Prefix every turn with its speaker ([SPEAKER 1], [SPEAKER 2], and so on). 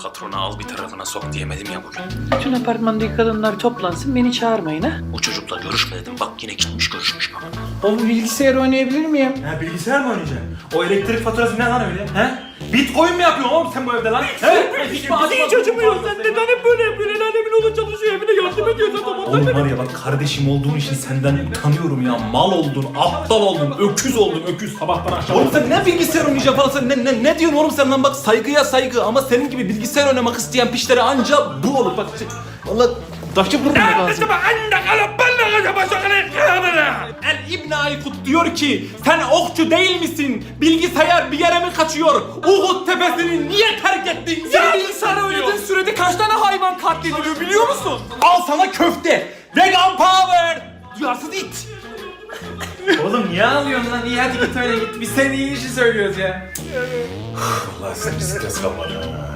[SPEAKER 1] patrona al bir tarafına sok diyemedim ya bugün.
[SPEAKER 2] Bütün apartmandaki kadınlar toplansın, beni çağırmayın ha.
[SPEAKER 1] O çocukla görüşme dedim. Bak yine gitmiş görüşmüş bak.
[SPEAKER 2] Oğlum bilgisayar oynayabilir miyim?
[SPEAKER 3] Ha, bilgisayar mı oynayacaksın? O elektrik faturası ne lan öyle? He? Bitcoin mi yapıyorsun oğlum sen bu evde lan?
[SPEAKER 2] Hiç acımıyor. Sen neden hep böyle yapıyorsun? El alemin oğlu çalışıyor, evine yardım ediyorsun.
[SPEAKER 3] Oğlum var ya bak kardeşim olduğun için senden utanıyorum ya. Mal oldun, aptal oldun, öküz oldun, öküz sabahtan akşama. Oğlum sen ne bilgisayar oynayacaksın falan sen ne diyorsun oğlum sen lan bak saygıya saygı ama senin gibi bilgisayar oynamak isteyen pişlere anca bu olur bak. Valla taşı vurmak lazım. El İbn Aykut diyor ki sen okçu değil misin? Bilgisayar bir yere mi kaçıyor? Uhud tepesini niye terk ettin?
[SPEAKER 2] Sen bilgisayar oynadığın sürede kaç tane hayvan katlediliyor biliyor musun?
[SPEAKER 3] Al sana köfte. Vegan power. Duyarsız it.
[SPEAKER 4] Oğlum niye ağlıyorsun lan? İyi hadi git öyle git. Biz senin iyi işi söylüyoruz ya.
[SPEAKER 3] Allah sen bir stres kalmadı.